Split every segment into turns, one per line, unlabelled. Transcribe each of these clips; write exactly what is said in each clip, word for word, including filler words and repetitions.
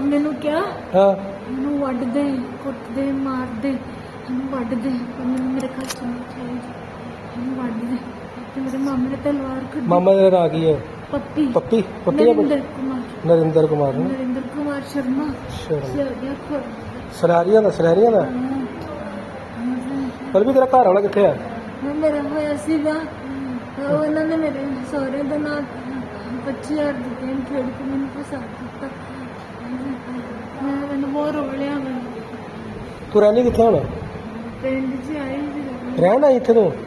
ਮਾਮੇ ਨੂੰ ਕਿਹਾ
ਹਾਂ
ਮੈਨੂੰ ਵੱਢ ਦੇ, ਕੁੱਟ ਦੇ, ਮਾਰ ਦੇ, ਮੈਨੂੰ ਵੱਢ ਦੇ, ਮੈਨੂੰ ਮੇਰੇ ਘਰ ਚ ਨਹੀਂ ਚਾਹੀਦੀ, ਮੈਨੂੰ ਵੱਢ ਦੇ। ਤੇ ਮੇਰੇ ਮਾਮੇ ਨੇ ਤਲਵਾਰ ਕੱਢੀ।
ਮਾਮਾ ਦਾ ਨਾਂ ਕੀ ਹੈ?
ਪੱਪੀ
ਪੱਪੀ ਪੱਪੀ ਦਾ
ਨਰਿੰਦਰ ਕੁਮਾਰ
ਨਰਿੰਦਰ ਕੁਮਾਰ ਨੇ
ਨਰਿੰਦਰ ਕੁਮਾਰ ਸ਼ਰਮਾ
ਸ਼ਰਮਾ।
ਸਿਆੜੀਆਂ ਖੁਰ
ਸਰਾਰੀਆਂ ਦਾ ਸਰਾਰੀਆਂ ਦਾ ਪਰ ਵੀ ਤੇਰਾ ਘਰ ਵਾਲਾ ਕਿੱਥੇ ਆ?
ਮੇਰਾ ਹੋਇਆ ਸੀਗਾ ਉਹ ਇਹਨਾਂ ਨੇ ਮੇਰੇ ਸਹੁਰੇ ਦੇ ਨਾਲ ਪੱਚੀ ਹਜ਼ਾਰ ਦੀ ਗੇਮ ਖੇਡ ਕੇ ਮੈਨੂੰ ਫਸਾ ਦਿੱਤਾ। ਮੈਂ ਮੈਨੂੰ ਬਹੁਤ ਰੋਲਿਆ। ਮੈਂ
ਤੂੰ ਰਹਿੰਦੀ ਕਿੱਥੇ ਹੁਣ?
ਪਿੰਡ 'ਚ ਆਈ ਸੀ।
ਰਹਿਣ ਆਈ ਇੱਥੇ ਤੂੰ?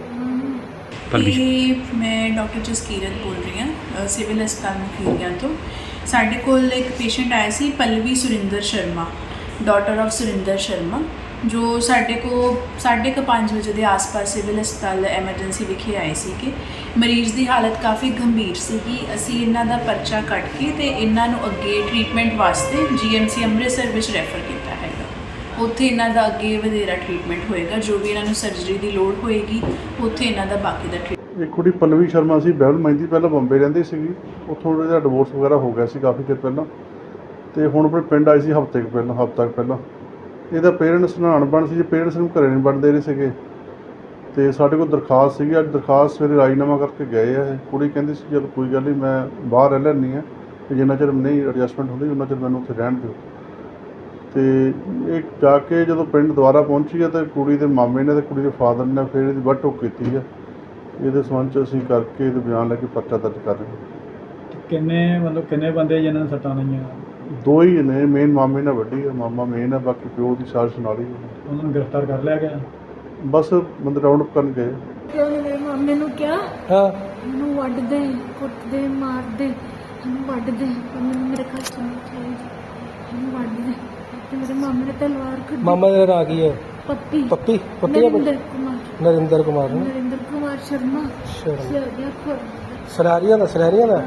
ਇਹ ਮੈਂ ਡਾਕਟਰ ਜਸਕੀਰਤ ਬੋਲ ਰਹੀ ਹਾਂ ਸਿਵਲ ਹਸਪਤਾਲ ਮੁਖੀਰੀਆਂ ਤੋਂ। ਸਾਡੇ ਕੋਲ ਇੱਕ ਪੇਸ਼ੈਂਟ ਆਇਆ ਸੀ ਪਲਵੀ ਸੁਰਿੰਦਰ ਸ਼ਰਮਾ, ਡਾਟਰ ਆਫ ਸੁਰਿੰਦਰ ਸ਼ਰਮਾ, ਜੋ ਸਾਡੇ ਕੋ ਸਾਢੇ ਕੁ ਪੰਜ ਵਜੇ ਦੇ ਆਸ-ਪਾਸ ਸਿਵਲ ਹਸਪਤਾਲ ਐਮਰਜੈਂਸੀ ਵਿਖੇ ਆਏ ਸੀ ਕਿ ਮਰੀਜ਼ ਦੀ ਹਾਲਤ ਕਾਫੀ ਗੰਭੀਰ ਸੀਗੀ। ਅਸੀਂ ਇਹਨਾਂ ਦਾ ਪਰਚਾ ਕੱਟ ਕੇ ਤੇ ਇਹਨਾਂ ਨੂੰ ਅੱਗੇ ਟ੍ਰੀਟਮੈਂਟ ਵਾਸਤੇ ਜੀਐਮਸੀ ਅੰਮ੍ਰਿਤਸਰ ਵਿੱਚ ਰੈਫਰ ਕੀਤਾ ਹੈਗਾ। ਉੱਥੇ ਇਹਨਾਂ ਦਾ ਅੱਗੇ ਵਧੇਰਾ ਟ੍ਰੀਟਮੈਂਟ ਹੋਏਗਾ। ਜੋ ਵੀ ਇਹਨਾਂ ਨੂੰ ਸਰਜਰੀ ਦੀ ਲੋੜ ਹੋਏਗੀ ਉੱਥੇ ਇਹਨਾਂ ਦਾ ਬਾਕੀ ਦਾ ਟ੍ਰੀਟਮੈਂਟ।
ਇੱਕ ਕੁੜੀ ਪਲਵੀ ਸ਼ਰਮਾ ਸੀ, ਬਹਿਲ ਮਹਿੰਦੀ, ਪਹਿਲਾਂ ਬੰਬੇ ਰਹਿੰਦੀ ਸੀਗੀ, ਉੱਥੋਂ ਇਹਦਾ ਡਿਵੋਰਸ ਵਗੈਰਾ ਹੋ ਗਿਆ ਸੀ ਕਾਫੀ ਚਿਰ ਪਹਿਲਾਂ, ਤੇ ਹੁਣ ਆਪਣੇ ਪਿੰਡ ਆਈ ਸੀ ਹਫ਼ਤੇ ਕੁ ਪਹਿਲਾਂ ਹਫ਼ਤਾ ਕੁ ਪਹਿਲਾਂ। ਇਹਦਾ ਪੇਰੈਂਟਸ ਨਾਲ ਅਣਬਣ ਸੀ, ਜੇ ਪੇਰੈਂਟਸ ਨੂੰ ਘਰੇ ਨਹੀਂ ਵੜਨ ਦੇ ਰਹੇ ਸੀਗੇ, ਤੇ ਸਾਡੇ ਕੋਲ ਦਰਖਾਸਤ ਸੀਗੀ। ਅੱਜ ਦਰਖਾਸਤ ਸਵੇਰੇ ਰਾਜੀਨਾਮਾ ਕਰਕੇ ਗਏ ਆ ਇਹ। ਕੁੜੀ ਕਹਿੰਦੀ ਸੀ ਚਲ ਕੋਈ ਗੱਲ ਨਹੀਂ, ਮੈਂ ਬਾਹਰ ਰਹਿ ਲੈਂਦੀ ਹਾਂ, ਤੇ ਜਿੰਨਾ ਚਿਰ ਨਹੀਂ ਐਡਜਸਟਮੈਂਟ ਹੁੰਦੀ ਉਹਨਾਂ ਚਿਰ ਮੈਨੂੰ ਉੱਥੇ ਰਹਿਣ ਦਿਓ। ਤੇ ਇਹ ਜਾ ਕੇ ਜਦੋਂ ਪਿੰਡ ਦੁਬਾਰਾ ਪਹੁੰਚੀ ਹੈ ਤਾਂ ਕੁੜੀ ਦੇ ਮਾਮੇ ਨੇ ਤੇ ਕੁੜੀ ਦੇ ਫਾਦਰ ਨੇ ਫਿਰ ਇਹਦੀ ਵੱਢ ਟੋਕ ਕੀਤੀ ਹੈ। ਇਹਦੇ ਸੰਬੰਧ 'ਚ ਅਸੀਂ ਕਰਕੇ ਇਹਦੇ ਬਿਆਨ ਲੈ ਕੇ ਪਰਚਾ ਦਰਜ ਕਰ ਰਹੇ ਹਾਂ।
ਕਿੰਨੇ ਮਤਲਬ ਕਿੰਨੇ ਬੰਦੇ ਜਿਨ੍ਹਾਂ ਨੂੰ ਸੱਟਾਂ ਲਾਈਆਂ?
ਦੋ ਹੀ ਨੇ, ਮੇਨ ਮਾਮੇ ਨਾਲ ਵੱਡੀ ਹੈ, ਮਾਮਾ ਮੇਨ ਹੈ, ਬਾਕੀ ਪਿਓ ਦੀ ਸਾਜ਼ਿਸ਼ ਨਾਲ ਹੀ ਹੈ।
ਉਹਨਾਂ ਨੂੰ ਗ੍ਰਿਫਤਾਰ ਕਰ ਲਿਆ ਗਿਆ?
ਬਸ ਬੰਦੇ ਰਾਉਂਡ ਅਪ ਕਰਨ ਗਏ।
ਤੇ ਉਹਨੇ ਮੇਰੇ ਮਾਮੇ ਨੂੰ ਕਿਹਾ
ਹਾਂ
ਮੈਨੂੰ ਵੱਢ ਦੇ, ਕੁੱਟ ਦੇ, ਮਾਰ ਦੇ, ਮੈਨੂੰ ਵੱਢ ਦੇ, ਮੈਨੂੰ ਮੇਰੇ ਘਰ ਚ ਨਹੀਂ ਚਾਹੀਦੀ, ਮੈਨੂੰ ਵੱਢ ਦੇ। ਤੇ ਮੇਰੇ ਮਾਮੇ ਨੇ ਤਲਵਾਰ ਕੱਢੀ।
ਮਾਮਾ ਦਾ ਨਾਂ ਕੀ ਹੈ?
ਪੱਪੀ
ਪੱਪੀ ਪੱਪੀ
ਨਰਿੰਦਰ ਕੁਮਾਰ
ਨਰਿੰਦਰ ਕੁਮਾਰ ਨੇ
ਨਰਿੰਦਰ ਕੁਮਾਰ ਸ਼ਰਮਾ
ਸ਼ਰਮਾ।
ਸਿਆੜੀਆਂ ਖੁਰ
ਸਰਾਰੀਆਂ ਦਾ ਸਰਾਰੀਆਂ ਦਾ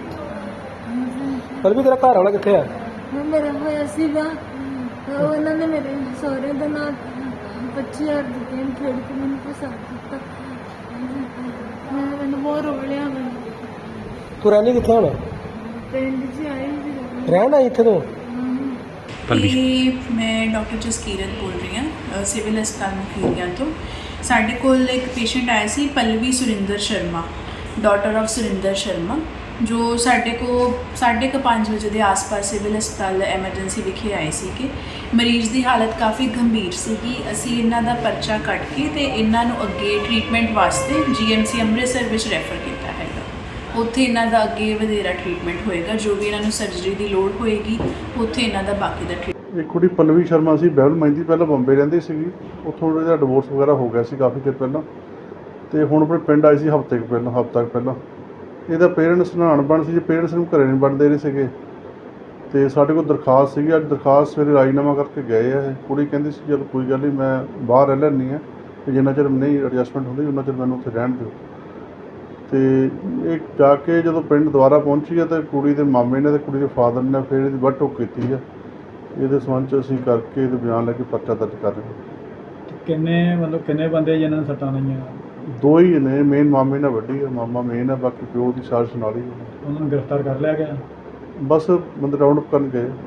ਪਰ ਵੀ ਤੇਰਾ ਘਰ ਵਾਲਾ ਕਿੱਥੇ ਆ?
ਮੇਰਾ ਹੋਇਆ ਸੀਗਾ ਉਹ ਇਹਨਾਂ ਨੇ ਮੇਰੇ ਸਹੁਰੇ ਦੇ ਨਾਲ ਪੱਚੀ ਹਜ਼ਾਰ ਦੀ ਗੇਮ ਖੇਡ ਕੇ ਮੈਨੂੰ ਫਸਾ ਦਿੱਤਾ। ਮੈਂ ਮੈਨੂੰ ਬਹੁਤ ਰੋਲਿਆ। ਮੈਂ
ਤੂੰ ਰਹਿੰਦੀ ਕਿੱਥੇ ਹੁਣ?
ਪਿੰਡ 'ਚ ਆਈ ਸੀ।
ਰਹਿਣ ਆਈ ਇੱਥੇ ਤੂੰ?
ਇਹ ਮੈਂ ਡਾਕਟਰ ਜਸਕੀਰਤ ਬੋਲ ਰਹੀ ਹਾਂ ਸਿਵਲ ਹਸਪਤਾਲ ਮੁਖੀਰੀਆਂ ਤੋਂ। ਸਾਡੇ ਕੋਲ ਇੱਕ ਪੇਸ਼ੈਂਟ ਆਇਆ ਸੀ ਪਲਵੀ ਸੁਰਿੰਦਰ ਸ਼ਰਮਾ, ਡਾਟਰ ਆਫ ਸੁਰਿੰਦਰ ਸ਼ਰਮਾ, ਜੋ ਸਾਡੇ ਕੋ ਸਾਢੇ ਕੁ ਪੰਜ ਵਜੇ ਦੇ ਆਸ-ਪਾਸ ਸਿਵਲ ਹਸਪਤਾਲ ਐਮਰਜੈਂਸੀ ਵਿਖੇ ਆਏ ਸੀ ਕਿ ਮਰੀਜ਼ ਦੀ ਹਾਲਤ ਕਾਫੀ ਗੰਭੀਰ ਸੀਗੀ। ਅਸੀਂ ਇਹਨਾਂ ਦਾ ਪਰਚਾ ਕੱਟ ਕੇ ਤੇ ਇਹਨਾਂ ਨੂੰ ਅੱਗੇ ਟ੍ਰੀਟਮੈਂਟ ਵਾਸਤੇ ਜੀਐਮਸੀ ਅੰਮ੍ਰਿਤਸਰ ਵਿੱਚ ਰੈਫਰ ਕੀਤਾ ਹੈਗਾ। ਉੱਥੇ ਇਹਨਾਂ ਦਾ ਅੱਗੇ ਵਧੇਰਾ ਟ੍ਰੀਟਮੈਂਟ ਹੋਏਗਾ। ਜੋ ਵੀ ਇਹਨਾਂ ਨੂੰ ਸਰਜਰੀ ਦੀ ਲੋੜ ਹੋਏਗੀ ਉੱਥੇ ਇਹਨਾਂ ਦਾ ਬਾਕੀ ਦਾ ਟ੍ਰੀਟਮੈਂਟ।
ਇੱਕ ਕੁੜੀ ਪਲਵੀ ਸ਼ਰਮਾ ਸੀ, ਬਹਿਲ ਮਹਿੰਦੀ, ਪਹਿਲਾਂ ਬੰਬੇ ਰਹਿੰਦੀ ਸੀਗੀ, ਉੱਥੋਂ ਇਹਦਾ ਡਿਵੋਰਸ ਵਗੈਰਾ ਹੋ ਗਿਆ ਸੀ ਕਾਫੀ ਚਿਰ ਪਹਿਲਾਂ, ਤੇ ਹੁਣ ਆਪਣੇ ਪਿੰਡ ਆਈ ਸੀ ਹਫ਼ਤੇ ਕੁ ਪਹਿਲਾਂ ਹਫ਼ਤਾ ਕੁ ਪਹਿਲਾਂ। ਇਹਦਾ ਪੇਰੈਂਟਸ ਨਾਲ ਅਣਬਣ ਸੀ, ਜੇ ਪੇਰੈਂਟਸ ਨੂੰ ਘਰੇ ਨਹੀਂ ਵੜਨ ਦੇ ਰਹੇ ਸੀਗੇ, ਤੇ ਸਾਡੇ ਕੋਲ ਦਰਖਾਸਤ ਸੀਗੀ। ਅੱਜ ਦਰਖਾਸਤ ਸਵੇਰੇ ਰਾਜੀਨਾਮਾ ਕਰਕੇ ਗਏ ਆ ਇਹ। ਕੁੜੀ ਕਹਿੰਦੀ ਸੀ ਚਲ ਕੋਈ ਗੱਲ ਨਹੀਂ, ਮੈਂ ਬਾਹਰ ਰਹਿ ਲੈਂਦੀ ਹਾਂ, ਤੇ ਜਿੰਨਾ ਚਿਰ ਨਹੀਂ ਐਡਜਸਟਮੈਂਟ ਹੁੰਦੀ ਉਹਨਾਂ ਚਿਰ ਮੈਨੂੰ ਉੱਥੇ ਰਹਿਣ ਦਿਓ। ਤੇ ਇਹ ਜਾ ਕੇ ਜਦੋਂ ਪਿੰਡ ਦੁਬਾਰਾ ਪਹੁੰਚੀ ਹੈ ਤਾਂ ਕੁੜੀ ਦੇ ਮਾਮੇ ਨੇ ਤੇ ਕੁੜੀ ਦੇ ਫਾਦਰ ਨੇ ਫਿਰ ਇਹਦੀ ਵੱਢ ਟੋਕ ਕੀਤੀ ਹੈ। ਇਹਦੇ ਸੰਬੰਧ 'ਚ ਅਸੀਂ ਕਰਕੇ ਇਹਦੇ ਬਿਆਨ ਲੈ ਕੇ ਪਰਚਾ ਦਰਜ ਕਰ ਰਹੇ ਹਾਂ।
ਕਿੰਨੇ ਮਤਲਬ ਕਿੰਨੇ ਬੰਦੇ ਜਿਨ੍ਹਾਂ ਨੂੰ ਸੱਟਾਂ ਲਾਈਆਂ?
ਦੋ ਹੀ ਨੇ, ਮੇਨ ਮਾਮੇ ਨਾਲ ਵੱਡੀ ਹੈ, ਮਾਮਾ ਮੇਨ ਹੈ, ਬਾਕੀ ਪਿਓ ਦੀ ਸਾਜ਼ਿਸ਼ ਨਾਲ ਹੀ ਹੈ।
ਉਹਨਾਂ ਨੂੰ ਗ੍ਰਿਫਤਾਰ ਕਰ ਲਿਆ ਗਿਆ?
ਬਸ ਬੰਦੇ ਰਾਉਂਡ ਅਪ ਕਰਨ ਗਏ।